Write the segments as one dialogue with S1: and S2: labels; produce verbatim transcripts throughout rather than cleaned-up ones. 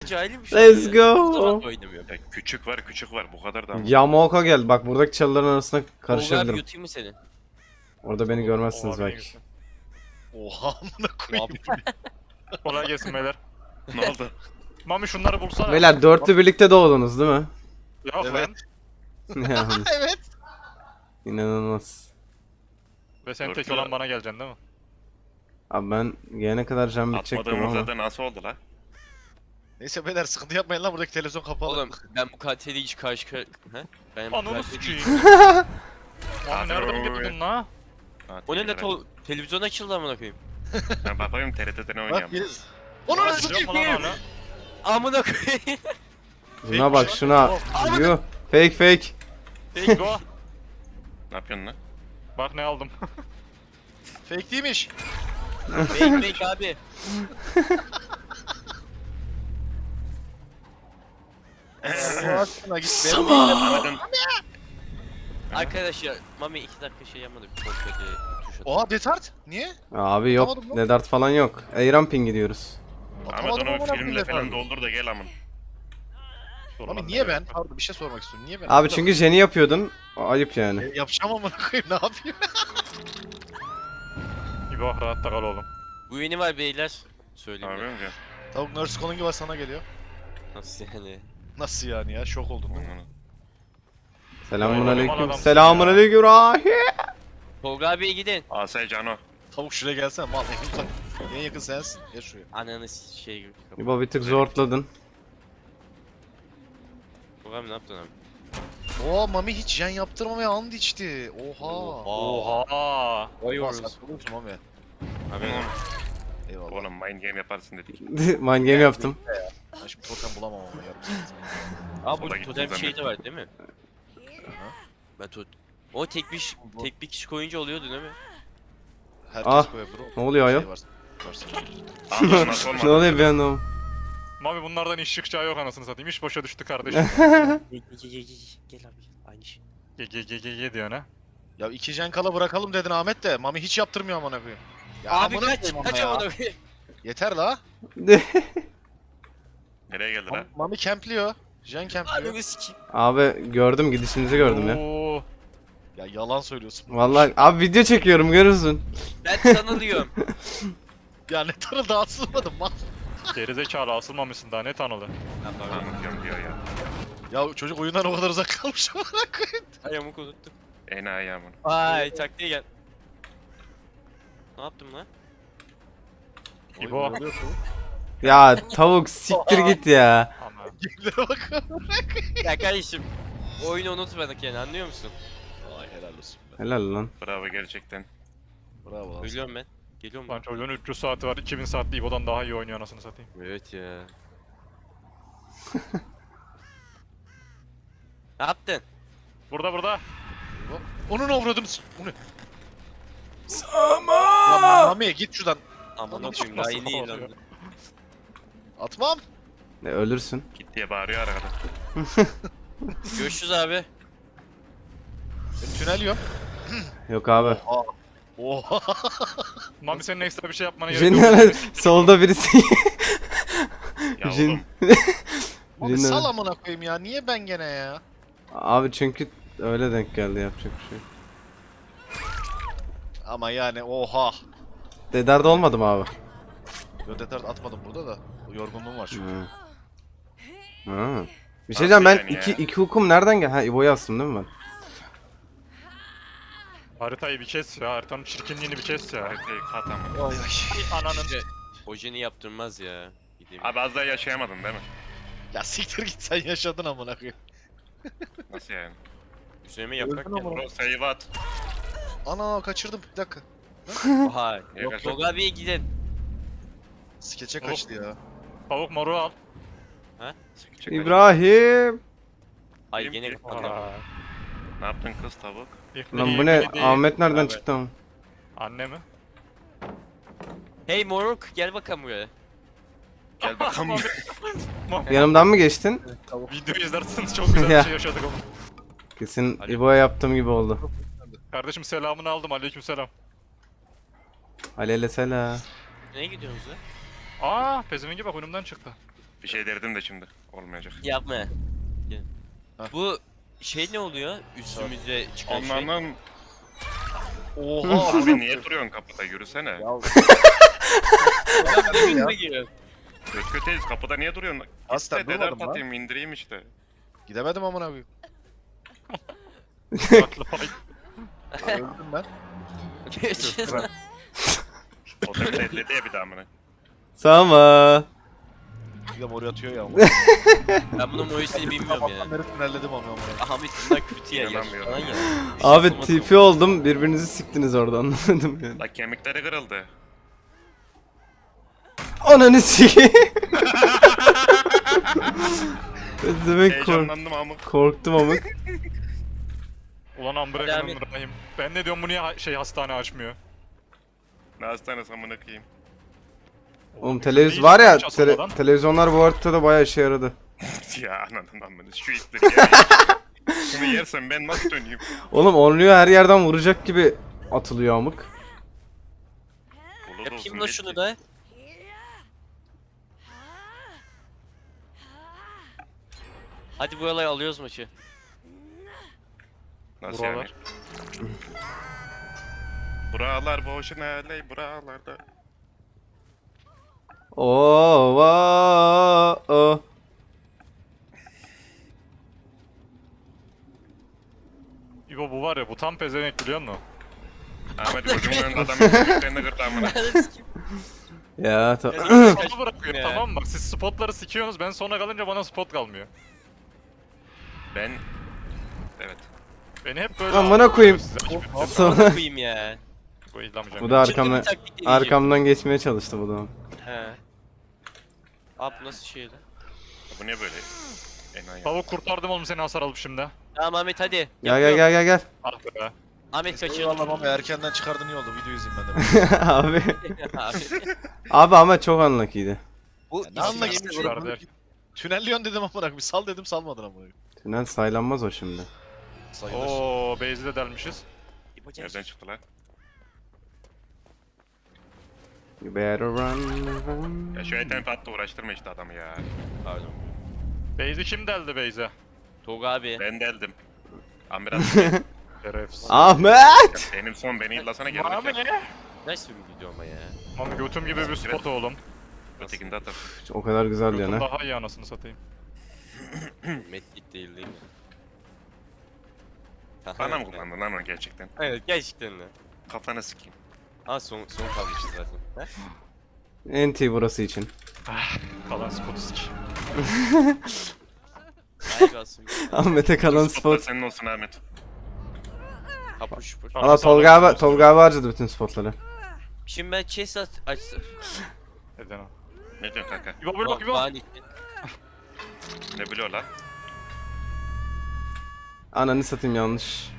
S1: cahilim şu
S2: Let's
S1: anda ya.
S2: go.
S1: O zaman oynamıyorum.
S3: Ya küçük var küçük var bu kadar da ama.
S2: Yamaoka geldi. Bak buradaki çalıların arasına
S1: Tolga abi
S2: karışabilirim.
S1: yutayım mı seni?
S2: Orada beni görmezsiniz
S4: Oha, beni
S2: belki.
S4: götür.
S5: Oha amına koyayım.
S4: Kolay gelsin beyler.
S3: Ne oldu?
S4: Mami şunları bulsana.
S2: Beyler dörtlü birlikte doğdunuz değil mi?
S4: Yok
S5: Evet.
S4: lan.
S2: Ya,
S5: Evet.
S2: İnanılmaz.
S4: Ve sen tek
S3: Dörtlü.
S4: olan bana geleceksin değil mi?
S2: Abi ben gelene kadar can bitecektim
S3: Atmadığımızda
S2: ama.
S3: da nasıl oldu la?
S5: Neyse beyler sıkıntı yapmayın lan buradaki televizyon kapalı.
S1: Oğlum ben bu katili hiç karşı karşı... He? Ben bu
S4: Ananı
S1: katili...
S4: sikeyim. Mami
S3: Hadi
S4: nereden
S3: oğlum.
S4: getirdin la?
S3: Ha,
S1: O ne
S3: teşekkür
S1: la
S3: ederim.
S1: to... Televizyon açıldı amına koyayım.
S3: Ben bakayım T R T'den
S5: Bak
S3: oynayayım.
S5: biri... Onu
S4: Ulan
S5: nasıl
S4: biliyor musun
S5: sikeyim?
S4: lan onu?
S1: Amına koyayım.
S2: Şuna bak şuna. Yuh. Fake fake.
S4: Tek go.
S3: Ne yapıyorsun lan?
S4: Bak ne aldım.
S5: Fake değilmiş.
S1: Bek bek abi.
S5: Allah aşkına git be.
S3: Ahmet'in
S1: Arkadaşlar Mami iki dakika şey yapmadı. Bir kontrol diye tuş atıyor.
S5: Oha detart. Niye?
S2: Abi yok.
S5: Atamadım lan.
S2: Nedart falan yok. Eyramping gidiyoruz.
S3: Ahmet
S5: Atamadım
S3: onu
S5: amına koyayım
S3: filmle falan
S5: detartı.
S3: doldur da gel amın.
S4: Dur
S5: Mami
S4: lan,
S5: niye
S4: ne
S5: ben?
S4: gerek var?
S5: Pardon bir şey sormak istiyorum. Niye ben?
S2: Abi çünkü Jen'i yapıyordun. Ayıp yani.
S5: E, yapacağım amına koyayım ne yapayım?
S4: İbo rahatta kal oğlum.
S1: Bu yeni var beyler. Söyleyeyim
S3: Abi
S1: ya.
S3: önce.
S5: Tavuk nurse calling var sana geliyor.
S1: Nasıl yani?
S5: Nasıl yani ya? Şok oldun değil mi?
S2: Selamun
S4: Vay,
S2: aleyküm.
S4: adamsın
S2: Selamun
S4: ya.
S2: aleyküm. Rahi.
S1: Tolga abiye gidin.
S3: Asay Cano.
S5: Tavuk şuraya gelsene mal en uzak. En yakın sensin. Gel şuraya.
S1: Ananı s- şey gibi.
S2: İbo bir tık zortladın.
S1: Tolga abi ne yaptın abi?
S5: Oo Mami hiç jen yaptırmamaya and içti. Oha.
S4: Oha.
S1: Vay
S5: Oha
S1: orası.
S5: saçmalıyorsun Mami.
S1: Abi
S5: Eyvallah.
S3: Oğlum mind game yaparsın dedik.
S2: Mind game yaptım.
S5: Ben şimdi totem bulamam ama yarım saat.
S1: Abi
S3: Sola
S1: bu
S3: gittim
S1: totem şey
S3: zannettim.
S1: de var değil mi? Ben tot... O tek bir, tek bir kişi koyunca oluyordu değil mi?
S5: Herkes
S2: Ah,
S5: koyar bro.
S2: ne oluyor ayol?
S5: Şey var- varsa.
S3: Ahmet nasıl olmadı?
S2: Ne oluyor bir anda o?
S4: Mami bunlardan iş çıkacağı yok anasını satayım. İş boşa düştü kardeşim.
S1: Gel gel gel gel abi aynı şey.
S4: Ge ge ge ge ge diyor ne?
S5: Ya iki jen kala bırakalım dedin Ahmet de. Mami hiç yaptırmıyor amına koyayım. Ya
S1: Abi
S5: amına
S1: kaç
S5: koyayım
S1: kaç
S5: ama ya.
S1: amına koyayım.
S5: Yeter la.
S3: Nereye geldi la?
S5: Mami, Mami campliyor. Jen campliyor.
S1: Ananı sikeyim.
S2: Abi gördüm gidişinizi gördüm ya.
S4: Oo.
S5: Ya yalan söylüyorsun.
S2: Vallahi abi video çekiyorum görürsün.
S1: Ben tanılıyorum.
S5: Ya ne tanı daha sızmadım mal.
S4: Gerizekalı asılmamışsın daha ne tanılı.
S3: Anlatıyorum diyor ya.
S5: Ya çocuk oyundan o kadar uzak kalmış amına koyayım.
S1: Ayağımı unuttum.
S3: Enayi amın.
S1: Ay taktiğe gel. Ne yaptım lan?
S4: İbo.
S2: Ya tavuk siktir git ya.
S4: Ama.
S5: Gemilere bak.
S1: Ya kardeşim oyunu unutmadık yani anlıyor musun?
S5: Ay helal olsun be.
S2: Helal lan.
S3: Bravo gerçekten.
S5: Bravo lan.
S1: Ölüyorum ben. Geliyorum
S4: Lan
S1: ben.
S4: çocuğun üç yüz saati var. iki bin saatli İbo'dan daha iyi oynuyor anasını satayım.
S1: Evet ya. Ne yaptın?
S4: Burada burada.
S5: Onun avradınız. Bu ne? Ya Mami git şuradan.
S1: Aman
S5: Nasıl
S1: okuyayım daha yeni
S4: oluyor?
S1: ilandı.
S5: Atmam.
S2: Ne ölürsün.
S3: Git diye bağırıyor arkada.
S1: Görüşürüz abi.
S5: Ben tünel yiyorum.
S2: Yok abi.
S5: Oha.
S4: Mami senin ekstra bir şey yapmana gerek yok.
S2: Jin solda birisi.
S3: Ya
S2: Jin.
S3: oğlum.
S5: Abi
S2: Jin-
S5: sal amına koyayım ya. Niye ben gene ya?
S2: Abi çünkü öyle denk geldi yapacak bir şey. yok.
S5: Ama yani oha.
S2: Dedarda olmadı mı abi?
S5: Yo detart atmadım burada da. Yorgunluğum var çünkü.
S2: Ha. Ha. Bir şey diyeceğim ben
S3: Nasıl yani
S2: iki,
S3: ya?
S2: iki hukum nereden gel? Ha İbo'yu astım değil mi ben?
S4: Haritayı bir kes ya. Haritanın çirkinliğini bir kes ya.
S3: Haritayı kat amın.
S5: Ay, ay.
S4: Ananın.
S1: İşte ojeni yaptırmaz ya. Gideyim.
S3: Abi az daha yaşayamadın değil mi?
S5: Ya siktir git sen yaşadın amına koyayım.
S3: Nasıl yani?
S1: Üzerime yaprak
S5: Öldün ama.
S1: geldi.
S3: Bro save at.
S5: Ana kaçırdım bir dakika.
S1: Oha.
S3: Yok,
S1: Yok Tolga abiye gidin.
S5: Skeçe
S4: Oğlum.
S5: kaçtı ya.
S4: Tavuk moru al.
S3: Çek-
S2: İbrahim.
S1: Ay
S3: Benim
S1: gene
S3: ki-
S1: kapandı.
S4: Aa.
S3: Ne yaptın kız tavuk?
S2: Lan bu ne? Ahmet nereden
S4: Abi.
S2: çıktı ama?
S4: Anne mi?
S1: Hey moruk gel bakalım buraya.
S3: Gel bakalım.
S2: Yanımdan mı geçtin?
S4: Video izlersiniz çok güzel
S2: Ya.
S4: bir şey yaşadık oğlum.
S2: Kesin
S1: Hadi.
S2: İbo'ya yaptığım gibi oldu.
S4: Kardeşim selamını aldım. Aleykümselam.
S2: Aleyhisselam.
S1: Nereye gidiyorsunuz ya?
S4: Aa, pezevengi bak önümden çıktı.
S3: Bir şey derdim de şimdi. Olmayacak.
S1: Yapma. Gel.
S5: Hah.
S1: Bu şey ne oluyor? Üstümüze çıkan şey.
S3: Onlardan
S5: Oha.
S3: abi niye duruyorsun kapıda yürüsene.
S5: Ya
S1: Ben bir günüme giriyorum.
S3: Göt göteyiz kapıda niye duruyorsun?
S5: Aslen
S3: İşte
S5: durmadım
S3: dedem
S5: lan.
S3: atayım indireyim işte.
S5: Gidemedim amına koyayım.
S4: Haklı pay.
S5: Öldüm ben.
S1: Görüşürüz.
S3: O da elledi ya bir daha amına.
S2: Sama.
S5: Bir de mor atıyor ya.
S1: Ben bunun Mois'ini bilmiyorum ya.
S5: Sabahtan beri tünelledim amına koyayım.
S1: Ahmet bundan kötü ya.
S3: İnanamıyorum.
S1: Falan ya.
S2: Abi T P oldum birbirinizi siktiniz orada anlamadım yani.
S3: La kemikleri kırıldı.
S2: Ananı sikeyim. Demek kork
S3: Heyecanlandım ama.
S2: korktum amık.
S4: Ulan Amber'e
S1: Devam
S4: kanım Rahim. Ben ne diyorum bu niye ha- şey hastane açmıyor?
S3: Ne hastanesi amına koyayım.
S2: Oğlum
S4: Ne
S2: televizyon
S4: iş
S2: var ya
S4: yapmış
S2: tele-
S4: aslında lan?
S2: televizyonlar bu haritada bayağı işe yaradı.
S3: Ya ananın amına şu itleri ya. Bunu yersen ben nasıl döneyim?
S2: Oğlum onluyor her yerden vuracak gibi atılıyor amık.
S3: Dolu da
S1: Yapayım
S3: olsun
S1: da
S3: belki.
S1: şunu da. Hadi bu olayı alıyoruz maçı.
S3: Nasıl
S4: Buralar.
S3: yani? Buralar boşuna ley buralarda.
S2: Oo, va, o.
S4: İbo bu var ya bu tam pezevenk biliyor musun?
S3: Ahmet gözümün önünde adamın kemiklerini kırdı amına.
S2: Ya ta-
S4: Bana bırakıyor
S1: Ya.
S4: tamam mı? Bak siz spotları sikiyorsunuz ben sona kalınca bana spot kalmıyor.
S3: Ben... Evet.
S4: Beni hep böyle
S2: Amına koyayım.
S4: Size açıp-
S2: Sonra
S1: Koyayım ya.
S4: Bu izlemeyeceğim.
S2: bu da
S1: Çılgın
S2: arkamdan
S1: bir taktik deneyeceğim.
S2: arkamdan geçmeye çalıştı bu da.
S1: He. Abi nasıl şey lan?
S3: Bu ne böyle? Enayi.
S4: Tavuk kurtardım oğlum seni hasar alıp şimdi.
S1: Tamam Ahmet hadi.
S2: Gel gel
S1: Yapıyorum.
S2: gel gel gel.
S4: Ah be.
S1: Ahmet kaçırdı.
S5: Eyvallah ama erkenden çıkardın iyi oldu. Video izleyeyim ben de.
S2: Abi.
S1: Abi.
S2: Abi ama çok unlucky'ydi.
S1: Bu
S5: ne anlak
S1: isim-
S5: istiyorsun?
S4: Kurtardı her-
S5: Tünelliyorsun dedim amına koyayım. Sal dedim salmadın amına koyayım.
S2: Tünel saylanmaz o şimdi.
S5: Sayılır.
S4: Oo base'i de delmişiz.
S1: Yapacağız.
S3: Nereden çıktı lan?
S2: You better run, run.
S3: Ya şu eten patla uğraştırma işte adamı ya.
S1: Pardon.
S4: Base'i kim deldi base'e?
S1: Tolga abi.
S3: Ben deldim. Ambulans.
S4: Şerefsiz.
S2: Ahmet!
S3: Benim son beni illasana
S4: Mami
S3: geldi.
S4: ne?
S1: Nasıl bir video ama ya?
S4: Mami götüm gibi bir spot oğlum.
S3: Ötekinde atar.
S2: O kadar güzel
S4: Götüm
S2: yana.
S4: daha iyi anasını satayım.
S1: Medkit değil değil mi?
S3: Bana mı kullandın lan onu gerçekten?
S1: Evet gerçekten de.
S3: Kafanı sikeyim.
S1: Ha son, son kalmıştı zaten. He?
S2: N T burası için.
S4: Kalan spotu sik.
S1: Hayır olsun.
S2: Ahmet'e kalan
S3: Spotlar
S2: spot.
S3: senin olsun Ahmet.
S1: Hapuş şupuş.
S4: Tamam.
S2: Valla Tolga abi, Tolga abi harcadı bütün spotları.
S1: Şimdi ben chest at açtım.
S4: Neden o?
S3: Ne diyorsun kanka?
S4: İbo blok İbo.
S1: Bani.
S3: Ne biliyor lan?
S2: Ananı satayım yanlış.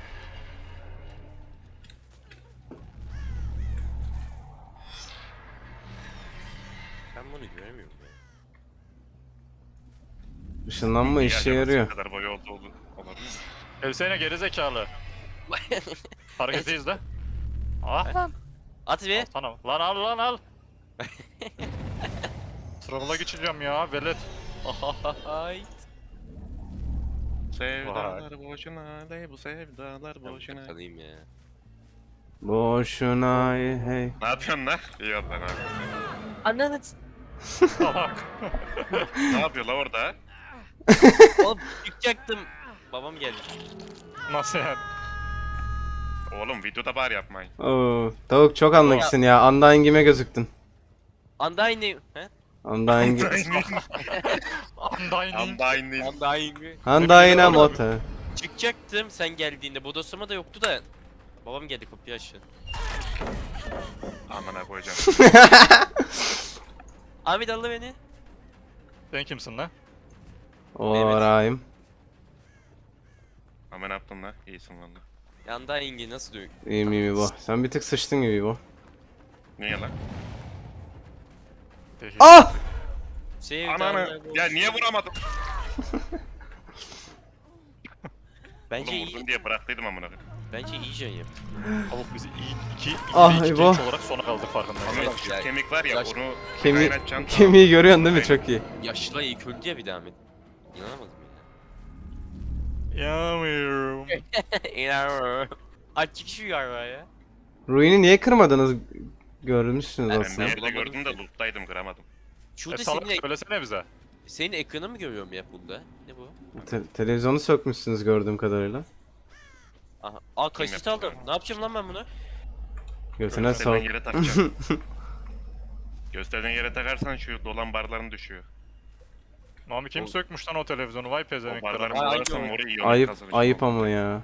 S1: Ben bunu göremiyorum ya.
S2: Işınlanma işe
S3: acaba
S2: yarıyor.
S3: Ne kadar boyu oldu oldu. Olabilir mi?
S4: Evsene geri zekalı. Hareketi izle. Ah lan.
S1: At bir.
S4: Sana. Lan al lan al. Travela geçeceğim ya velet.
S1: Ay.
S3: Sevdalar boşuna ley bu sevdalar boşuna.
S1: Kalayım ya.
S2: Boşuna hey.
S3: Ne yapıyorsun lan? İyi oldu lan abi.
S1: Ananı.
S4: Salak.
S3: Ne yapıyor la orada?
S1: Oğlum çıkacaktım. Babam geldi.
S4: Nasıl yani?
S3: Oğlum videoda bari yapmayın.
S2: Oo, tavuk çok anlaksın ya. Undying'ime gözüktün.
S1: Undying. He?
S2: Undying.
S4: Undying.
S3: Undying.
S1: Undying.
S2: Undying'e motor.
S1: Çıkacaktım sen geldiğinde. Bodoslama da yoktu da. Babam geldi kapıyı açtı.
S3: Amına koyacağım.
S1: Ahmet aldı beni.
S4: Sen kimsin lan?
S2: Orayım.
S3: Ama ne yaptın lan? İyisin valla.
S1: Undying'i nasıl dövüyor?
S2: İyiyim iyiyim bu. Sen bir tık sıçtın gibi bu.
S3: Niye lan?
S4: Değil.
S2: Ah!
S3: Ananı. Ya niye vuramadım?
S1: Bence
S3: Oğlum
S1: iyi.
S3: vurdun diye bıraktıydım amına koyayım.
S1: Bence iyice yap.
S4: Tavuk bizi iyi, iki, iki,
S2: Ah,
S4: iki
S2: eyvah.
S4: genç olarak sona kaldık farkındayım.
S3: Ama
S1: Evet,
S3: şu
S1: yani-
S3: kemik var ya
S1: Yaş-
S3: onu
S2: Kemi
S3: kaynatacaksın.
S2: kemiği görüyorsun değil mi? Çok iyi.
S1: Yaşlı ilk öldü ya bir daha Ahmet. İnanamadım ya.
S4: Yanmıyorum.
S1: İnanamıyorum. Açık şu galiba ya.
S2: Ruin'i niye kırmadınız? Görmüşsünüz
S1: Ben-
S3: Ben
S2: aslında.
S3: nerede
S1: Bulamadım
S3: gördüm de
S1: ki.
S3: loot'taydım kıramadım.
S4: E
S1: Şurada
S4: salak
S1: senin,
S4: söylesene bize.
S1: senin ekranı mı görüyorum ya bunda? Ne bu?
S2: Te- televizyonu sökmüşsünüz gördüğüm kadarıyla.
S1: Aha. Aa kasit
S3: yaptı
S1: aldım.
S3: bunu?
S1: Ne yapacağım lan ben bunu?
S2: Götüne
S3: Gösterdiğin
S2: sor.
S3: yere takacaksın. Gösterdiğin yere takarsan şu dolan barların düşüyor.
S4: Mami kim
S1: Oğlum.
S4: sökmüş lan o televizyonu? Vay
S3: O
S4: pezevenkler.
S3: barları
S1: Ay,
S3: bularsan
S1: ay,
S3: orayı
S2: Ayıp ayıp ama ya.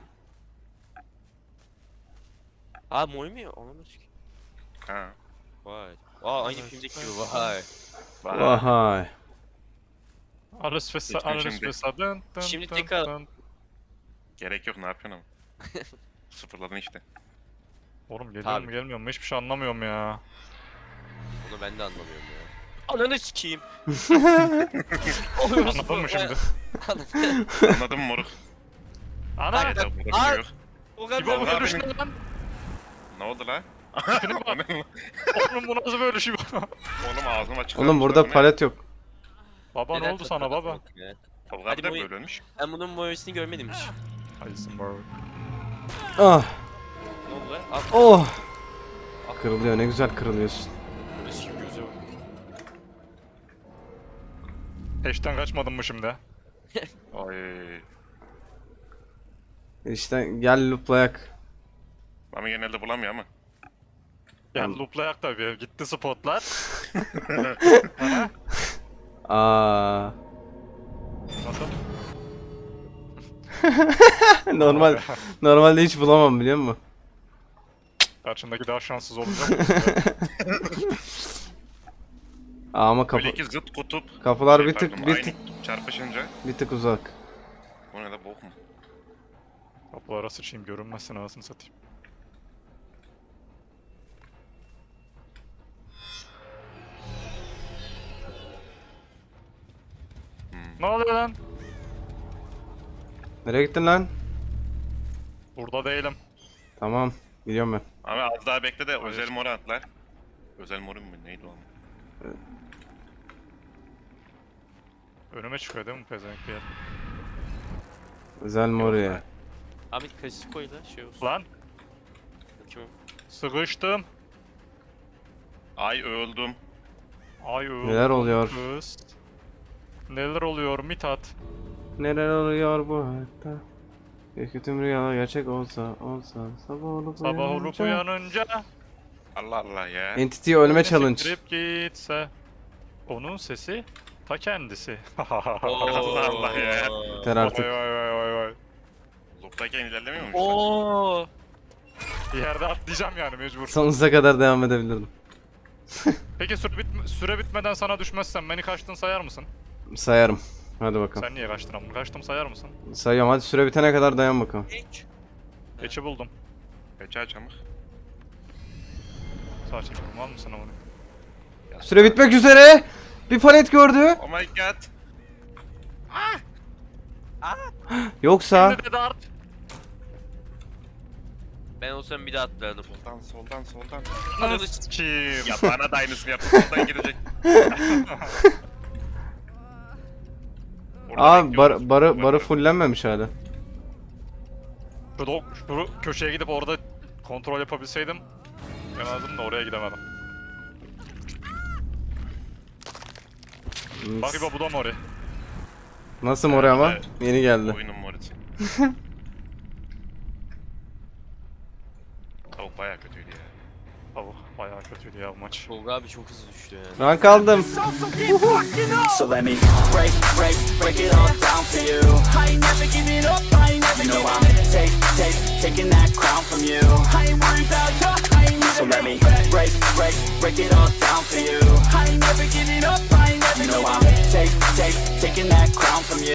S1: Aa moy mu ya? Onu sikeyim.
S3: Ha.
S1: Vay. Aa aynı filmdeki gibi vay.
S3: Vay.
S2: Vay.
S4: Alles fesa,
S3: Lütfen
S4: alles
S3: şimdi.
S4: fesa. Dın, dın,
S1: Şimdi
S4: dın,
S1: tekrar-
S4: dın.
S3: Gerek yok ne yapıyorsun ama. Sıfırladın işte.
S4: Oğlum geliyor
S1: Tabii.
S4: mu gelmiyor mu hiçbir şey anlamıyorum ya.
S1: Onu ben de anlamıyorum ya. Ananı sikeyim.
S4: Anladın mı şimdi?
S3: Anladın mı moruk?
S4: Ana!
S1: Ay,
S3: Hayda burada
S1: Ay.
S3: bir şey yok.
S1: O
S4: İbo
S1: kadar.
S3: Vallahi
S4: böyle düştü
S3: benim-
S4: lan.
S3: Ne oldu la?
S4: Tipine bak. Oğlum bu nasıl böyle şey?
S3: Oğlum ağzım açık.
S2: Oğlum burada palet yok.
S4: Baba ne
S1: Neden
S4: oldu sana baba?
S1: takmadın ya?
S3: Tolga
S1: Hadi
S3: abi de
S1: boyu-
S3: böyle ölmüş.
S1: Ben bunun moyosunu görmedim hiç.
S4: Heisenberg.
S2: Ah.
S1: Ne oldu lan? Al.
S2: Oh. Kırılıyor ne güzel kırılıyorsun.
S1: Bunu sikeyim göze bak.
S4: Eşten kaçmadın mı şimdi?
S3: Ay.
S2: İşte gel looplayak.
S3: Mami genelde bulamıyor ama.
S4: Ya looplayak tabii. Gitti spotlar.
S2: Aa.
S4: Nasıl?
S2: Normal normalde hiç bulamam biliyor musun?
S4: Karşındaki daha şanssız olacak.
S2: Aa, ama kapı
S3: Böyle iki zıt kutup.
S2: kapılar
S3: şey,
S2: bir tık
S3: pardon,
S2: bir
S3: aynı
S2: tık
S3: çarpışınca.
S2: bir tık uzak.
S3: Bu ne de bok mu?
S4: Kapılara sıçayım görünmezsin anasını satayım.
S3: Hmm.
S4: Ne oluyor lan?
S2: Nereye gittin lan?
S4: Burada değilim.
S2: Tamam. Gidiyorum ben.
S3: Abi az daha bekle de özel moru atlar. Özel moru mu neydi o?
S4: Önüme çıkıyor değil mi pezevenk bir yer?
S2: Özel Moria.
S1: Ahmet kasit koy da şey olsun.
S4: Lan
S1: Bakayım.
S4: sıkıştım.
S3: Ay öldüm.
S4: Ay öldüm
S2: Neler oluyor?
S4: Kız. Neler oluyor Mithat?
S2: Neler oluyor bu hayatta? Keşke tüm rüyalar gerçek olsa, olsa, sabah olup
S4: Sabah olup
S2: uyanınca-
S4: uyanınca
S3: Allah Allah ya.
S2: Entity ölme challenge.
S4: Siktirip gitse. Onun sesi ta kendisi.
S3: Allah Allah ya.
S2: Yeter
S4: Vay
S2: artık.
S4: vay vay vay vay.
S3: Loop'tayken ilerlemiyor mu?
S1: Oo.
S4: Bir yerde atlayacağım yani mecbur.
S2: Sonsuza kadar devam edebilirdim.
S4: Peki süre, bitme- süre bitmeden sana düşmezsem beni kaçtın sayar mısın?
S2: Sayarım. Hadi bakalım.
S4: Sen niye kaçtın ama? Kaçtım sayar mısın?
S2: Sayıyorum hadi süre bitene kadar dayan bakalım.
S1: Hiç.
S4: Keçi buldum.
S3: Peçe açamık.
S4: Sağ çekiyorum var mısın onu?
S2: Süre bitmek üzere. Bir palet gördü.
S3: Oh my god.
S2: Yoksa
S4: Şimdi de dart.
S1: Ben olsam bir daha atlardım.
S3: Soldan soldan soldan.
S1: Ananı
S4: Kim?
S3: Ya bana da aynısını yaptı. Soldan girecek. Orada
S2: Aa
S3: bekliyoruz.
S2: bar, barı barı fullenmemiş hala.
S4: Şu, do- şu köşeye gidip orada kontrol yapabilseydim yemezdim de oraya gidemedim. Bak İbo bu da mori.
S2: Nasıl oraya ama?
S3: Evet.
S2: Yeni geldi.
S3: Oyunun morisi. Tavuk bayağı kötüydü ya.
S4: Tavuk bayağı kötüydü ya bu maç.
S1: Tolga abi çok hızlı düştü yani.
S2: Rank aldım.
S6: So let me break, break, break it all down for you. I ain't never giving up, I ain't never you know I'm take, take, taking that crown from you. I ain't worried about you, I ain't never so let me break, break, break it all down for you. I ain't never giving up, I ain't never you know I'm take, take, taking that crown from you.